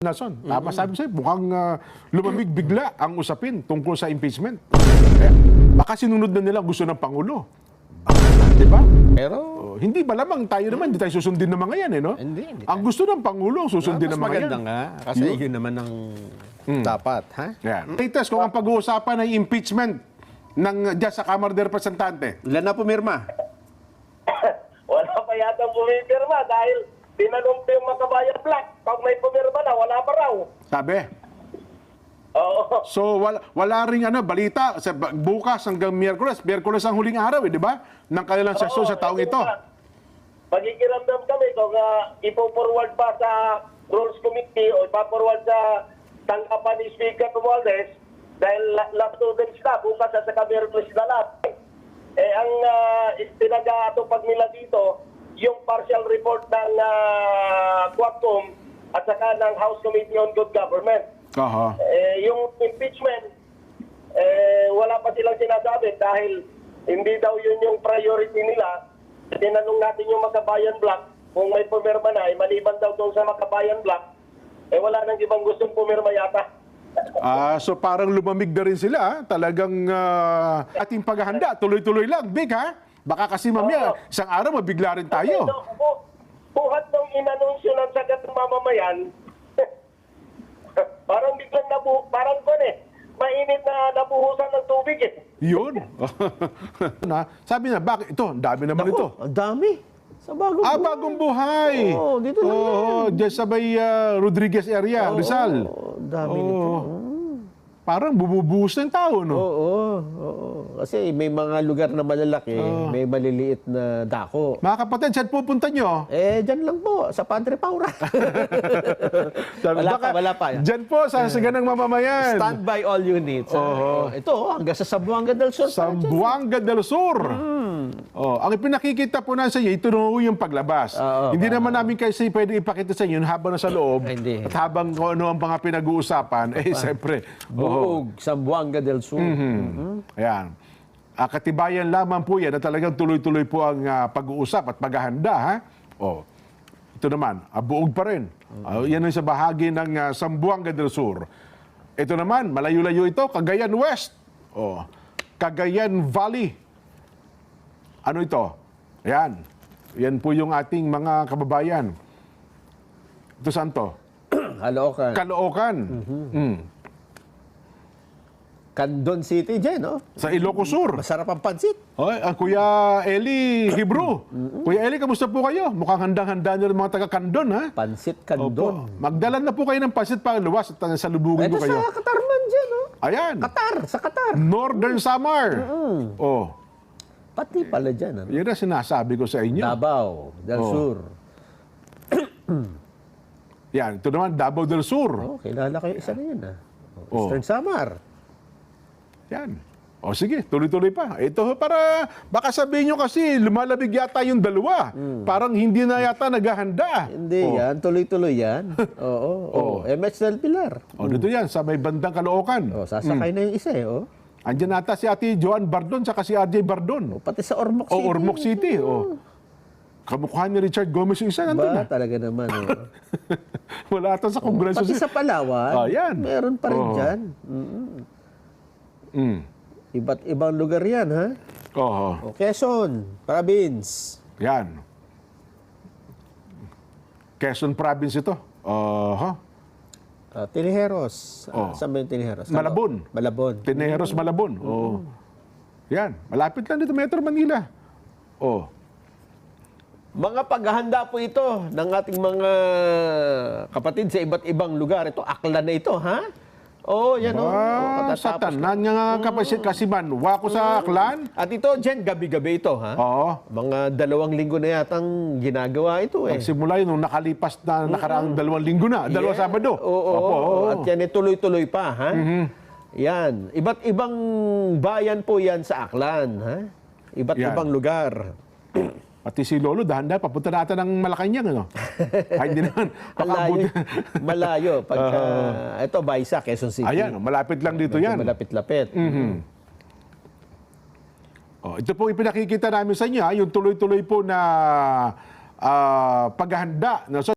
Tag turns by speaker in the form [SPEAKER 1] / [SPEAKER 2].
[SPEAKER 1] Nason, tama sabi sa'yo, mukhang lumamig bigla ang usapin tungkol sa impeachment. Kaya, baka sinunod na nila gusto ng Pangulo. Di ba?
[SPEAKER 2] Pero,
[SPEAKER 1] Hindi malamang tayo naman, hindi tayo susundin ng mga yan, eh, no?
[SPEAKER 2] Hindi
[SPEAKER 1] Ang gusto ng Pangulo, susundin
[SPEAKER 2] mas
[SPEAKER 1] ng mga yan.
[SPEAKER 2] maganda nga. Kasi yun naman ang dapat, ha?
[SPEAKER 1] Yan. Latest, kung ang pag-uusapan ay impeachment ng dyan sa Kamara de Representante.
[SPEAKER 2] Ilan na pumirma?
[SPEAKER 3] Wala pa yata pumirma dahil tinanong ko yung Makabayan Black. Pag may pumirma na, wala pa raw.
[SPEAKER 1] Sabi.
[SPEAKER 3] Oo.
[SPEAKER 1] So, wala ring balita. Bukas hanggang Miyerkules. Miyerkules ang huling araw, di ba? Ng kanilang sesyon sa taong ito.
[SPEAKER 3] Magigiramdam kami kung ipo-forward pa sa Rules Committee o ipa-forward sa tanggapan ni Speaker Romualdez dahil last 2 days na, bukas sa Miyerkules na lahat. Ang pinag-aatupag nila dito, yung partial report ng Quadcom at saka ng House Committee on Good Government.
[SPEAKER 1] Aha.
[SPEAKER 3] Yung impeachment, wala pa silang sinasabi dahil hindi daw yun yung priority nila. Tinanong natin yung Makabayan Black kung may pumirma na, maliban daw doon sa Makabayan Black, wala nang ibang gustong pumirma yata.
[SPEAKER 1] So parang lumamig na rin sila. Talagang ating paghahanda, tuloy-tuloy lang. Big, ha? Baka kasi mamaya, isang araw mabigla rin tayo.
[SPEAKER 3] Buhat nung inanunsyo ng sagat ng mamamayan, parang biglang parang mainit na nabuhusan ng tubig eh.
[SPEAKER 1] Yun. Sabi na, bakit ito? Ang dami naman ito.
[SPEAKER 2] Ang dami. Sa bagong buhay.
[SPEAKER 1] Bagong buhay.
[SPEAKER 2] Oo, dito lang yan.
[SPEAKER 1] Diyan sa may Rodriguez area, Rizal.
[SPEAKER 2] Ang dami nito.
[SPEAKER 1] Parang bububuhos ng tao, no?
[SPEAKER 2] Oo. Kasi may mga lugar na malalaki, may maliliit na dako.
[SPEAKER 1] Mga kapatid, saan pupunta nyo?
[SPEAKER 2] Dyan lang po, sa Padre Paura. Wala pa.
[SPEAKER 1] Diyan po, sa saganang mamamayan.
[SPEAKER 2] Stand by all units. Ito, hanggang sa Zamboanga del Sur.
[SPEAKER 1] Zamboanga del Sur. Ang ipinakikita po na sa inyo, ito na yung paglabas. Hindi naman namin kasi pwede ipakita sa inyo habang nasa loob.
[SPEAKER 2] Hindi.
[SPEAKER 1] At habang ano ang mga pinag-uusapan, siyempre.
[SPEAKER 2] Buog, Zamboanga del Sur.
[SPEAKER 1] Ayan. Katibayan lamang po yan na talagang tuloy-tuloy po ang pag-uusap at paghahanda. Ha? Ito naman, buog pa rin. Yan ay sa bahagi ng Zamboanga del Sur. Ito naman, malayo-layo ito, Cagayan West. Cagayan Valley. Ano ito? Ayan. Yan po yung ating mga kababayan. Ito saan to?
[SPEAKER 2] Caloocan.
[SPEAKER 1] Caloocan.
[SPEAKER 2] Candon City dyan, no?
[SPEAKER 1] Sa Ilocos Sur.
[SPEAKER 2] Masarap ang pansit.
[SPEAKER 1] Ang Kuya Eli Hebrew. Kuya Eli, kamusta po kayo? Mukhang handang-handa nyo ng mga taga-Candon, ha?
[SPEAKER 2] Pansit Candon.
[SPEAKER 1] Magdala na po kayo ng pansit para luwas at salubungin
[SPEAKER 2] Ito
[SPEAKER 1] ko kayo.
[SPEAKER 2] sa Qatar man dyan, no?
[SPEAKER 1] Ayan.
[SPEAKER 2] Qatar, sa Qatar.
[SPEAKER 1] Northern Samar.
[SPEAKER 2] Pati pala dyan, ano?
[SPEAKER 1] Yan ang sinasabi ko sa inyo.
[SPEAKER 2] Davao del Sur.
[SPEAKER 1] Yan, ito naman, Davao del Sur.
[SPEAKER 2] Kilala kayo isa na yun, ha? Eastern Samar.
[SPEAKER 1] Yan. Sige, tuloy-tuloy pa. Ito para, baka sabihin nyo kasi, lumalabig yata yung dalawa. Parang hindi na yata naghahanda.
[SPEAKER 2] Hindi yan, tuloy-tuloy yan. MH del Pilar.
[SPEAKER 1] Dito yan, sa may bandang Caloocan.
[SPEAKER 2] Sasakay na yung isa, eh,
[SPEAKER 1] Andiyan nata si Ate Joan Bardon, saka si RJ Bardon.
[SPEAKER 2] Pati sa Ormoc City.
[SPEAKER 1] Ormoc City. Kamukha ni Richard Gomez yung isa nandun na.
[SPEAKER 2] Talaga naman,
[SPEAKER 1] Wala ata sa Kongreso.
[SPEAKER 2] Pati sa Palawan,
[SPEAKER 1] yan.
[SPEAKER 2] meron pa rin dyan. Iba't ibang lugar yan, ha? Quezon, province.
[SPEAKER 1] Yan. Quezon province ito.
[SPEAKER 2] Tiniheros. Saan ba yung Tiniheros?
[SPEAKER 1] Malabon.
[SPEAKER 2] Malabon.
[SPEAKER 1] Tiniheros, Malabon. Yan. Malapit lang dito, Metro Manila.
[SPEAKER 2] Mga paghahanda po ito ng ating mga kapatid sa iba't ibang lugar. Ito, Aklan na ito, ha? Yan
[SPEAKER 1] Sa tanan nga kasiman, wako sa Aklan.
[SPEAKER 2] At ito, dyan, gabi-gabi ito, ha? Mga 2 linggo na yatang ginagawa ito, eh.
[SPEAKER 1] Nagsimula yun nung nakalipas na nakaraang 2 linggo na, 2 Sabado.
[SPEAKER 2] At yan, tuloy-tuloy pa, ha? Yan. Iba't ibang bayan po yan sa Aklan, ha? Iba't ibang lugar.
[SPEAKER 1] Pati si Lolo, dahan-dahan, papunta natin ng Malacanang, ano? Ay, hindi naman.
[SPEAKER 2] Malayo. Ito, Baisa, Quezon City.
[SPEAKER 1] Ayan, malapit lang dito yan.
[SPEAKER 2] Malapit-lapit.
[SPEAKER 1] Ito po ipinakikita namin sa inyo, yung tuloy-tuloy po na paghahanda.